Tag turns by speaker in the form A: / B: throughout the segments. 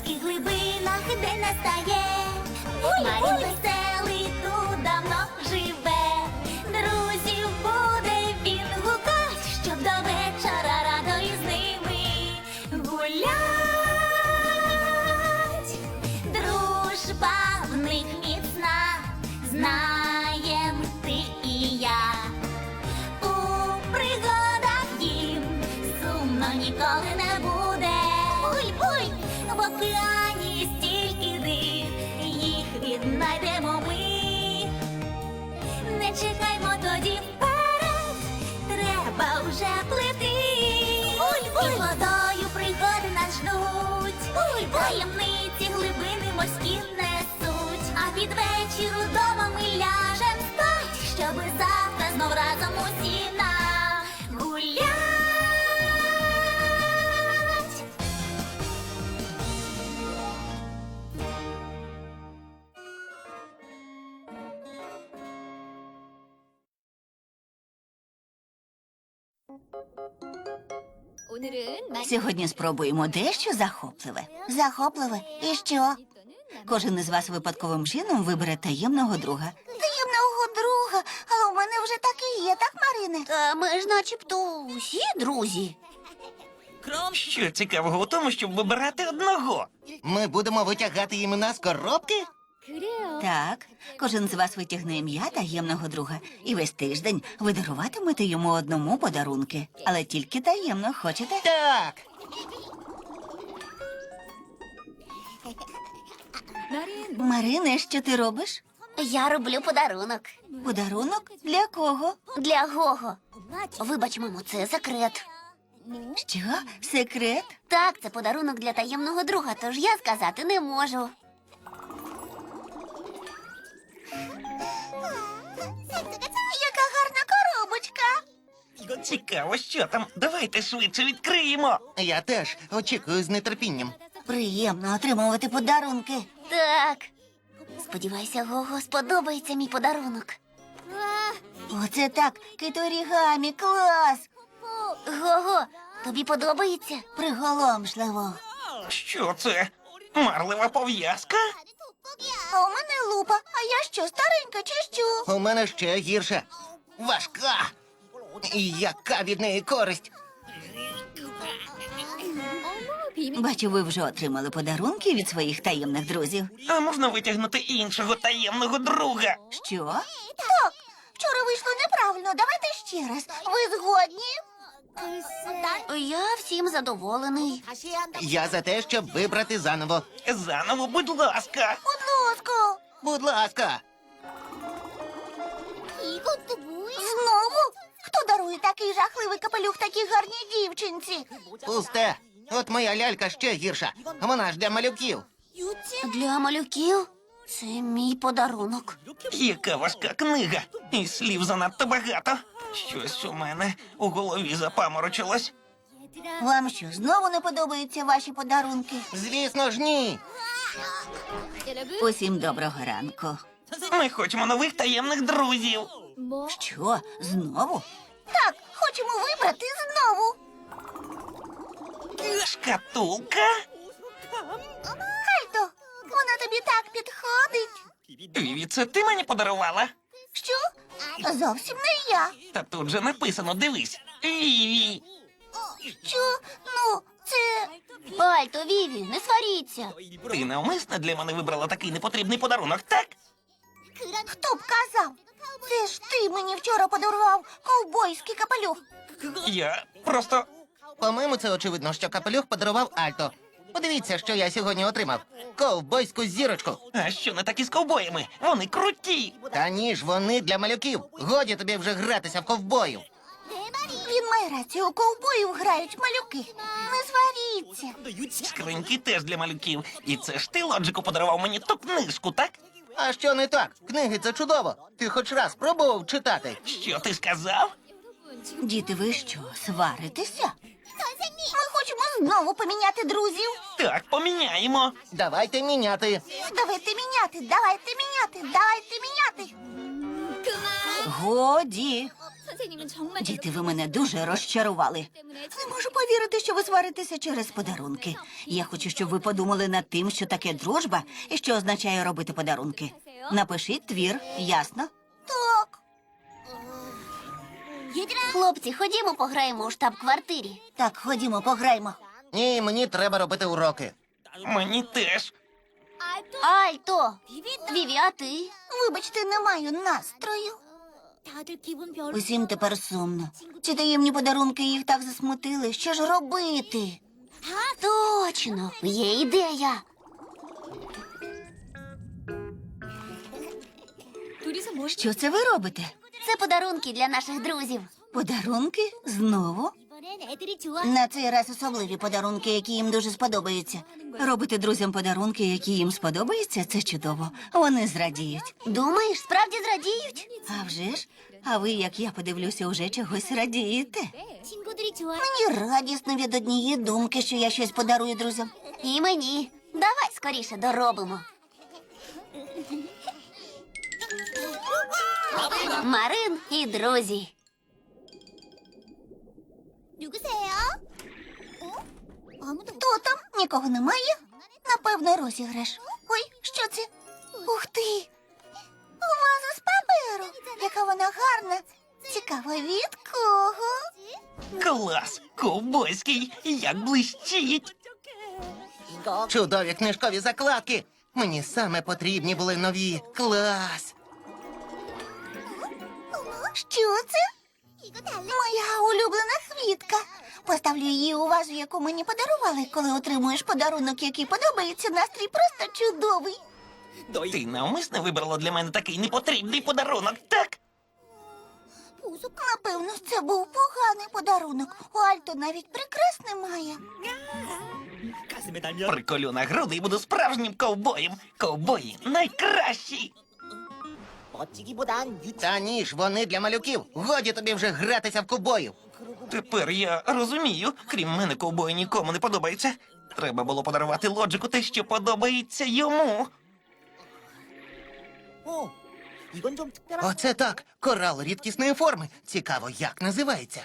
A: морських глибинах день настає. Марін веселий тут давно живе. Друзів буде він гукать, щоб до вечора радо із ними гулять. Дружба в них міцна, знаєм ти і я. У пригадах їм сумно ніколи не буде. Буй-буй, в океані стільки див, їх віднайдемо ми. Не чекаймо тоді вперед, треба вже плити. Буй-буй, водою пригоди нас ждуть. Буй-буй, таємниці глибини морські несуть. А під вечір удома ми ляжем спать, щоби завтра знов разом усі нагулять.
B: Сьогодні спробуємо дещо захопливе. Захопливе? І що? Кожен із вас випадковим чином вибере таємного друга. Таємного друга? Але у мене вже так і є, так, Марине?
C: Та ми ж начебто усі друзі.
D: Що цікавого у тому, щоб вибирати одного?
E: Ми будемо витягати імена з коробки?
B: Так, кожен з вас витягне ім'я таємного друга. І весь тиждень ви даруватимете йому одному подарунки. Але тільки таємно, хочете?
E: Так.
B: Марине, що ти робиш?
C: Я роблю подарунок.
B: Подарунок? Для кого?
C: Для Гого. Вибач, мамо, це секрет.
B: Що? Секрет?
C: Так, це подарунок для таємного друга, тож я сказати не можу.
B: Яка гарна коробочка.
D: Цікаво, що там. Давайте швидше відкриємо.
E: Я теж очікую з нетерпінням.
B: Приємно отримувати подарунки.
C: Так. Сподіваюся, Гого сподобається мій подарунок.
B: Оце так, киторігамі, клас!
C: Гого, тобі подобається?
B: Приголомшливо.
D: Що це? Марлева пов'язка?
B: А у мене лупа, а я що, старенька чи що?
E: У мене ще гірше. Важка. І яка від неї користь?
B: Бачу, ви вже отримали подарунки від своїх таємних друзів.
D: А можна витягнути іншого таємного друга?
B: Що? Так, вчора вийшло неправильно, давайте ще раз. Ви згодні?
C: Я всім задоволений.
E: Я за те, щоб вибрати заново.
D: Заново, будь ласка.
B: Будь ласка.
E: Будь ласка.
B: Знову? Хто дарує такий жахливий капелюх такій гарній дівчинці?
E: Пусте. От моя лялька ще гірша. Вона ж для малюків.
C: Для малюків це мій подарунок.
D: Яка важка книга. І слів занадто багато. Щось у мене у голові запаморочилось.
B: Вам що, знову не подобаються ваші подарунки?
E: Звісно ж, ні.
B: Усім доброго ранку.
D: Ми хочемо нових таємних друзів.
B: Що, знову? Так, хочемо вибрати знову.
D: Шкатулка?
B: Альто, вона тобі так підходить.
D: Віві, це ти мені подарувала?
B: Що? Зовсім не я.
D: Та тут же написано, дивись. Віві.
B: Що? Ну, це...
C: Альто, Віві, не сваріться.
D: Ти навмисно для мене вибрала такий непотрібний подарунок, так?
B: Хто б казав? Це ж ти мені вчора подарував ковбойський капелюх.
D: Я просто...
E: По-моєму, це очевидно, що капелюх подарував Альто. Подивіться, що я сьогодні отримав. Ковбойську зірочку.
D: А що не так із ковбоями? Вони круті.
E: Та ні ж, вони для малюків. Годі тобі вже гратися в ковбоїв.
B: Він має рацію, у ковбоїв грають малюки. Не сваріться.
D: Скриньки теж для малюків. І це ж ти, Лоджику, подарував мені ту книжку, так?
E: А що не так? Книги це чудово. Ти хоч раз пробував читати?
D: Що ти сказав?
B: Діти, ви що, сваритеся? Ми хочемо знову поміняти друзів.
D: Так, поміняємо.
E: Давайте міняти.
B: Давайте міняти. Годі. Діти, ви мене дуже розчарували. Не можу повірити, що ви сваритеся через подарунки. Я хочу, щоб ви подумали над тим, що таке дружба і що означає робити подарунки. Напишіть твір, ясно?
C: Так. Хлопці, ходімо пограємо у штаб-квартирі.
B: Так, ходімо, пограймо.
E: Ні, мені треба робити уроки.
D: Мені теж.
C: Альто! Віві, а ти?
B: Вибачте, не маю настрою. Усім тепер сумно. Ці таємні подарунки їх так засмутили. Що ж робити?
C: Точно, є ідея.
B: Що це ви робите?
C: Це подарунки для наших друзів.
B: Подарунки? Знову? На цей раз особливі подарунки, які їм дуже сподобаються. Робити друзям подарунки, які їм сподобаються, це чудово. Вони зрадіють.
C: Думаєш, справді зрадіють?
B: А вже ж? А ви, як я подивлюся, уже чогось радієте. Мені радісно від однієї думки, що я щось подарую друзям.
C: І мені. Давай скоріше доробимо. Марин і друзі.
B: Хто там? Нікого немає? Напевно, розіграш. Ой, що це? Ух ти! Ваза з паперу. Яка вона гарна. Цікаво, від кого?
D: Клас! Ковбойський! Як блищить!
E: Чудові книжкові закладки. Мені саме потрібні були нові. Клас!
B: Що це? Моя улюблена квітка. Поставлю її у вазу, яку мені подарували. Коли отримуєш подарунок, який подобається, настрій просто чудовий.
D: Ти навмисно вибрала для мене такий непотрібний подарунок, так?
B: Напевно, це був поганий подарунок. У Альто навіть прикрас немає.
D: Приколю на груди і буду справжнім ковбоєм. Ковбої найкращі!
E: Та ні ж, вони для малюків. Годі тобі вже гратися в ковбоїв.
D: Тепер я розумію, крім мене, ковбої нікому не подобається. Треба було подарувати Лоджику те, що подобається йому.
E: Оце так. Корал рідкісної форми. Цікаво, як називається.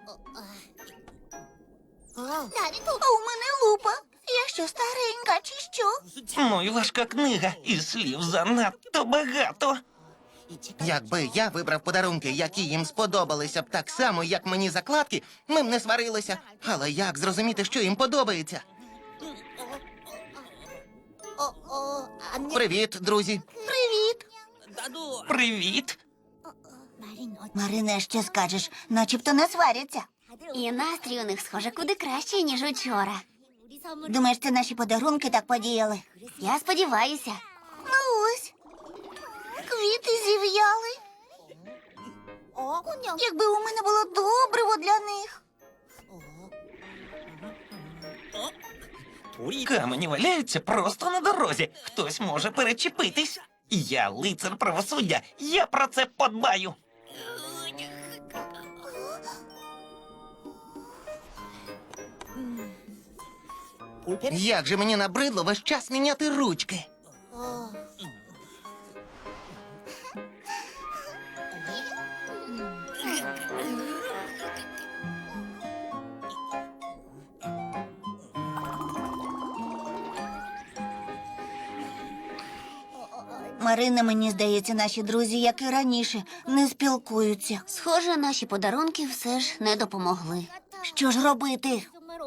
B: А у мене лупа. Я що, старенька чи що?
D: Ну і важка книга, і слів занадто багато.
E: Якби я вибрав подарунки, які їм сподобалися б так само, як мені закладки, ми б не сварилися. Але як зрозуміти, що їм подобається? Привіт, друзі.
B: Привіт.
D: Привіт!
B: Марине, що скажеш? Начебто не сваряться.
C: І настрій у них, схоже, куди краще, ніж учора.
B: Думаєш, це наші подарунки так подіяли?
C: Я сподіваюся.
B: Ну ось. Квіти зів'яли. Якби у мене було добриво для них.
D: Камені валяються просто на дорозі. Хтось може перечепитись. Я лицар правосуддя. Я про це подбаю.
E: Як же мені набридло весь час міняти ручки.
B: Марина, мені здається, наші друзі, як і раніше, не спілкуються.
C: Схоже, наші подарунки все ж не допомогли.
B: Що ж робити?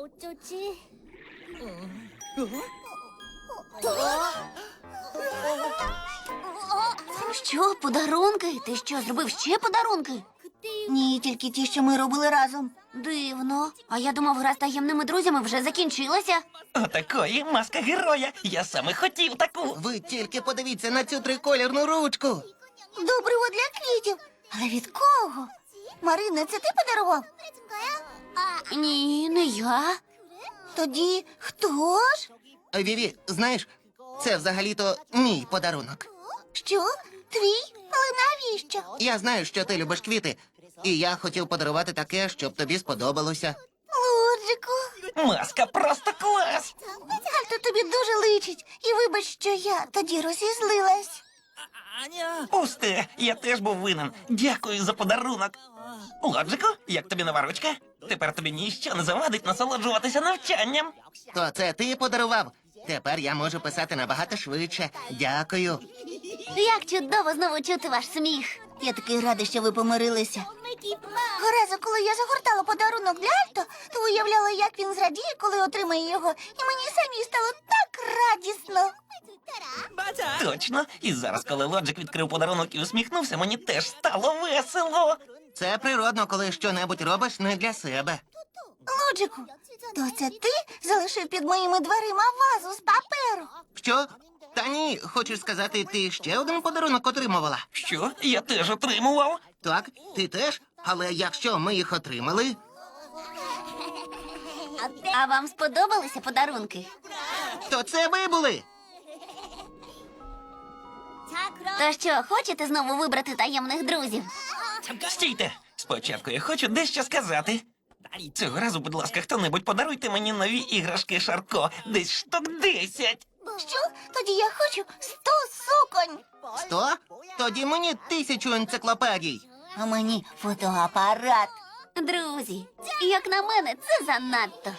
C: Що, подарунки? Ти що, зробив ще подарунки?
B: Ні, тільки ті, що ми робили разом.
C: Дивно. А я думав, гра з таємними друзями вже закінчилася.
D: Отакої маска героя. Я саме хотів таку.
E: Ви тільки подивіться на цю триколірну ручку.
B: Добриво для квітів. Але від кого? Марина, це ти подарував?
C: Ні, не я.
B: Тоді хто ж?
E: Віві, знаєш, це взагалі-то мій подарунок.
B: Що? Твій? Але навіщо?
E: Я знаю, що ти любиш квіти, і я хотів подарувати таке, щоб тобі сподобалося.
B: Лоджику.
D: Маска просто клас.
B: Альто тобі дуже личить. І вибач, що я тоді розізлилась.
D: Пусте, я теж був винен. Дякую за подарунок. Лоджику, як тобі нова ручка? Тепер тобі ніщо не завадить насолоджуватися навчанням.
E: То це ти подарував? Тепер я можу писати набагато швидше. Дякую.
C: Як чудово знову чути ваш сміх.
B: Я такий радий, що ви помирилися. Разу, коли я загортала подарунок для Альто, то уявляла, як він зрадіє, коли отримає його, і мені самі стало так радісно.
D: Точно. І зараз, коли Лоджик відкрив подарунок і усміхнувся, мені теж стало весело.
E: Це природно, коли щонебудь робиш не для себе.
B: Лоджику, то це ти залишив під моїми дверима вазу з паперу?
E: Що? Та ні, хочеш сказати, ти ще один подарунок отримувала?
D: Що? Я теж отримував.
E: Так, ти теж? Але якщо ми їх отримали,
C: А вам сподобалися подарунки?
E: то це ви були.
C: То що, хочете знову вибрати таємних друзів?
D: Стійте! Спочатку я хочу дещо сказати. Цього разу, будь ласка, хто-небудь подаруйте мені нові іграшки Шарко. Десь штук 10.
B: Що? Тоді я хочу 100 суконь.
E: 100? Тоді мені 1000 енциклопедій.
B: А мені фотоапарат.
C: Друзі, як на мене, це занадто.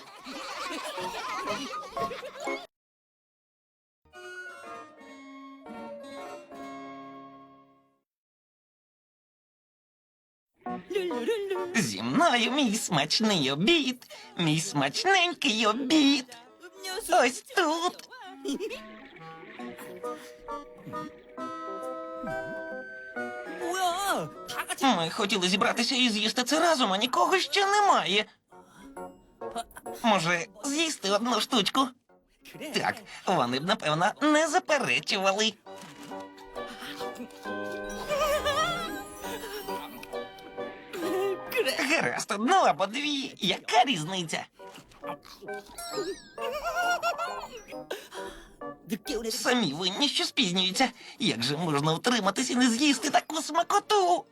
D: Зі мною мій смачний обід, мій смачненький обід. Ось тут. Ми хотіли зібратися і з'їсти це разом, а нікого ще немає. Може, з'їсти одну штучку? Так, вони б, напевно, не заперечували. Гаразд, одну або дві. Яка різниця? Самі винні, що спізнюються. Як же можна втриматись і не з'їсти таку смакоту?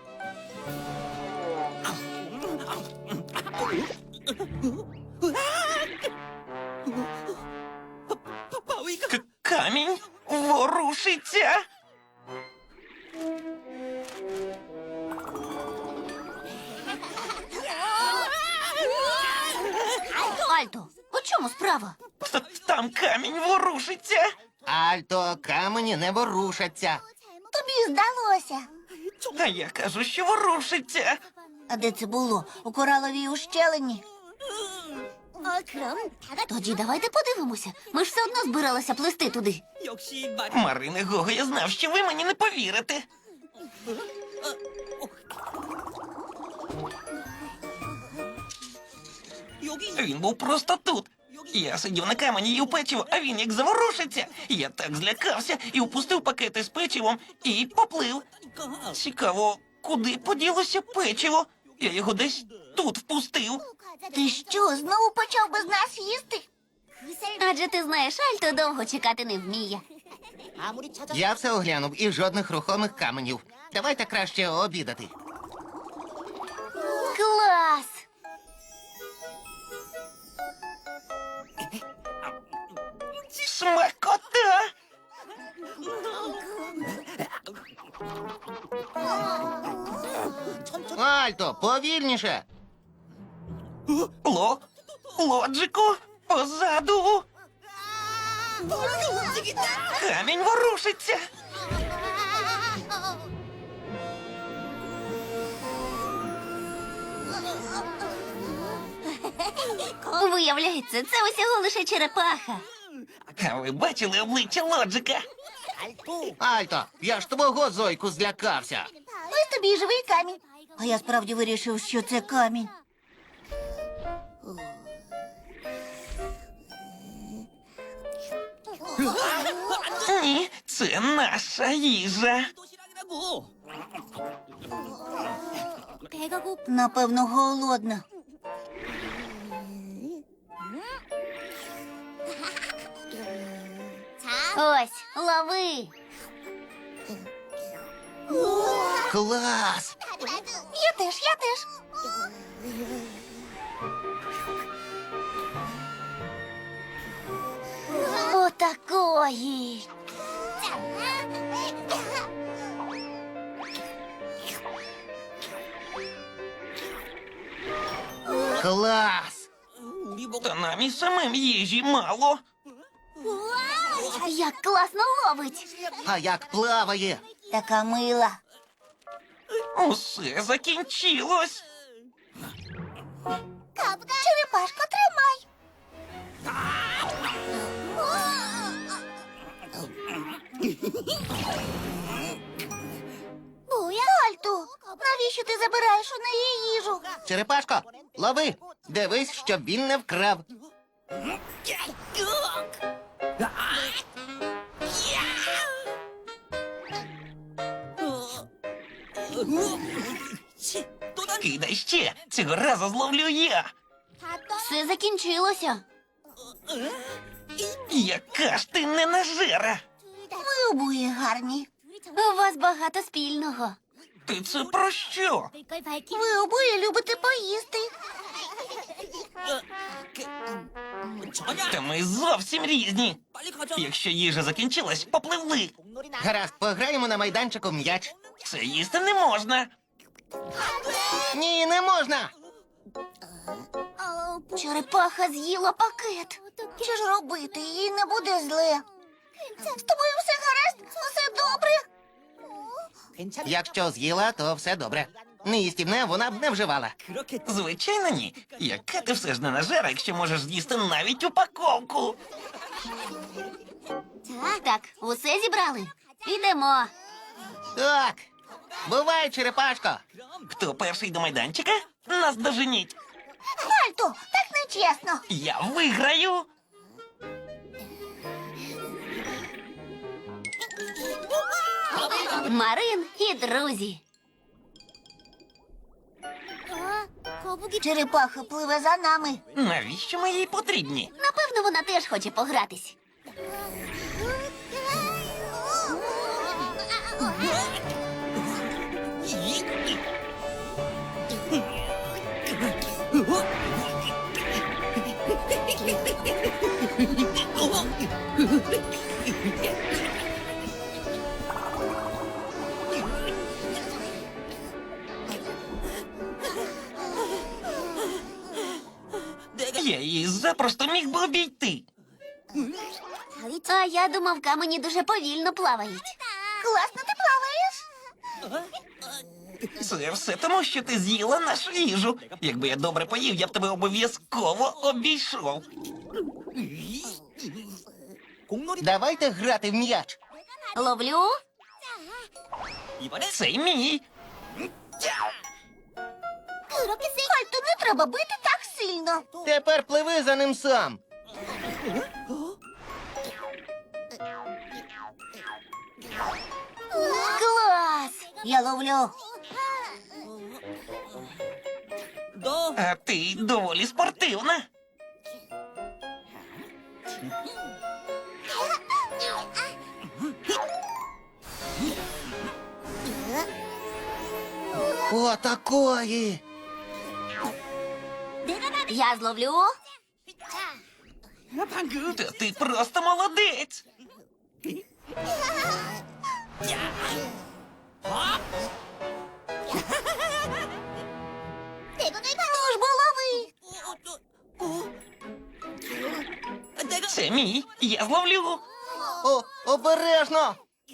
D: Камінь ворушиться.
C: Альто, у чому справа?
D: Там камінь ворушиться.
E: Альто, камені не ворушаться.
B: Тобі здалося.
D: А я кажу, що ворушиться.
B: А де це було? У кораловій ущелині?
C: Тоді давайте подивимося. Ми ж все одно збиралися плисти туди.
D: Марине Гого, я знав, що ви мені не повірите. Він був просто тут. Я сидів на камені і у печиво, а він як заворушиться. Я так злякався і упустив пакети з печивом і поплив. Цікаво, куди поділося печиво? Я його десь тут впустив.
B: Ти що, знову почав без нас їсти?
C: Адже ти знаєш, Альто довго чекати не вміє.
E: Я все оглянув і жодних рухомих каменів. Давайте краще обідати.
C: Клас!
D: Смакота!
E: Альто, повільніше.
D: Лоджику, позаду. Камінь ворушиться.
C: Виявляється, це усього лише черепаха.
D: А ви бачили обличчя Лоджика?
E: Альто, я ж твого Зойку злякався.
B: Ось тобі і живий камінь. А я справді вирішив, що це камінь.
D: Ні, це наша їжа.
B: Напевно, голодна.
C: Ось, лови.
E: Клас!
B: Я теж.
C: Отакої.
E: Клас!
D: Та нам і самим їжі мало.
C: Як класно ловить.
E: А як плаває?
B: Така мила.
D: Усе закінчилось.
B: Черепашко, тримай. Альто, навіщо ти забираєш у неї їжу?
E: Черепашко, лови! Дивись, щоб він не вкрав.
D: Кидай ще. Цього разу зловлю я.
C: Все закінчилося.
D: Яка ж ти ненажера.
B: Ви обоє гарні.
C: У вас багато спільного.
D: Ти це про що?
B: Ви обоє любите поїсти.
D: Та ми зовсім різні. Якщо їжа закінчилась, попливли.
E: Гаразд, пограємо на майданчику м'яч.
D: Це їсти не можна.
E: Ні, не можна!
C: Черепаха з'їла пакет.
B: Що ж робити? Їй не буде зле. З тобою все гаразд? Все добре?
E: Якщо з'їла, то все добре. Неїстівне вона б не вживала.
D: Звичайно, ні. Яка ти все ж ненажера, якщо можеш з'їсти навіть упаковку.
C: Так, усе зібрали. Ідемо.
E: Так. Бувай, черепашко.
D: Хто перший до майданчика? Нас доженіть.
B: Альто, так нечесно.
D: Я виграю.
C: Марин і друзі.
B: Черепаха пливе за нами.
D: Навіщо ми їй потрібні?
C: Напевно, вона теж хоче погратись.
D: Я її запросто міг би обійти.
C: А я думав, камені дуже повільно плавають.
B: Класно ти плаваєш.
D: Це все тому, що ти з'їла нашу їжу. Якби я добре поїв, я б тебе обов'язково обійшов.
E: Давайте грати в м'яч.
C: Ловлю.
D: Цей мій.
B: Альто, не треба бити так сильно.
E: Тепер пливи за ним сам.
C: Клас!
B: Я ловлю.
D: А ти доволі спортивна.
E: Отакої.
C: Я зловлю.
D: Та ти просто молодець.
B: Ну ж бо лови.
D: Це мій. Я зловлю.
E: О, обережно.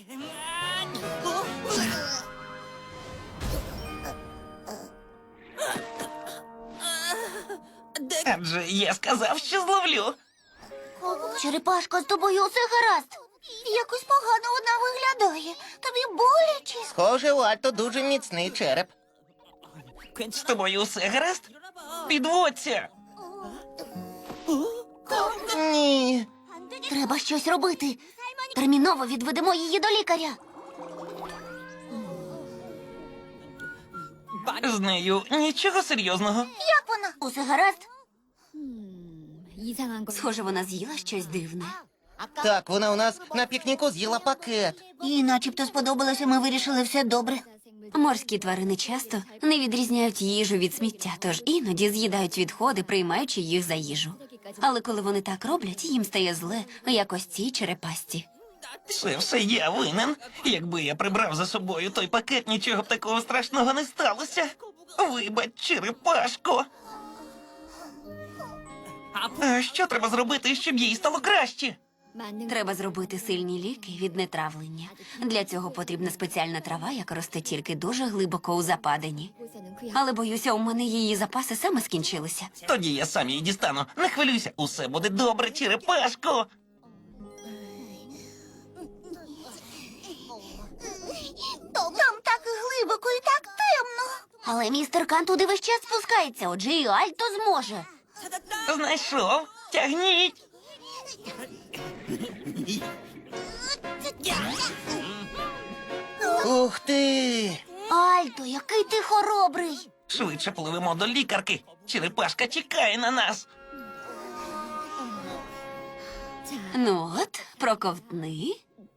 D: Адже я сказав, що зловлю.
C: Черепашко, з тобою усе гаразд.
B: Якось погано вона виглядає. Тобі боляче.
E: Схоже, у Альто дуже міцний череп.
D: З тобою усе гаразд? Підводься.
E: Ні.
C: Треба щось робити. Терміново відведемо її до лікаря.
D: З нею нічого серйозного.
B: Як вона?
C: Усе гаразд?
F: 이상한 걸
C: Схоже, вона з'їла щось дивне.
E: Так, вона у нас на пікніку з'їла пакет.
B: Їй начебто сподобалося, ми вирішили все добре.
C: Морські тварини часто не відрізняють їжу від сміття, тож іноді з'їдають відходи, приймаючи їх за їжу. Але коли вони так роблять, їм стає зле, як ось цій черепасті.
D: Це все я винен. Якби я прибрав за собою той пакет, нічого б такого страшного не сталося. Вибач, черепашко. А що треба зробити, щоб їй стало краще?
C: Треба зробити сильні ліки від нетравлення. Для цього потрібна спеціальна трава, яка росте тільки дуже глибоко у западині. Але боюся, у мене її запаси саме скінчилися.
D: Тоді я сам її дістану. Не хвилюйся, усе буде добре, черепашко.
A: Там так глибоко і так темно. Але містер Кан туди весь час спускається, отже і Альто зможе.
D: Знайшов. Тягніть.
E: Ух ти!
A: Альто, який ти хоробрий.
D: Швидше пливемо до лікарки. Черепашка чекає на нас.
C: Ну от, проковтни.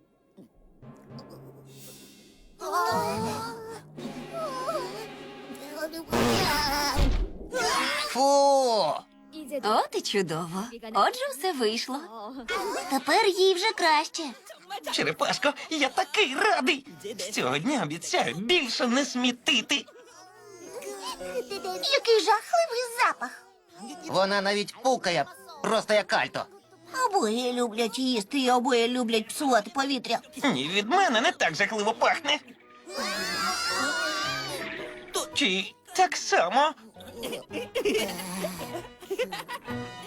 E: Фу!
C: От і чудово. Отже, все вийшло.
A: Тепер їй вже краще.
D: Черепашко, я такий радий. З цього дня обіцяю більше не смітити.
A: Який жахливий запах.
E: Вона навіть пукає, просто як Альто.
B: Обоє люблять їсти і обоє люблять псувати повітря.
D: Ні, від мене не так жахливо пахне. Чи так само?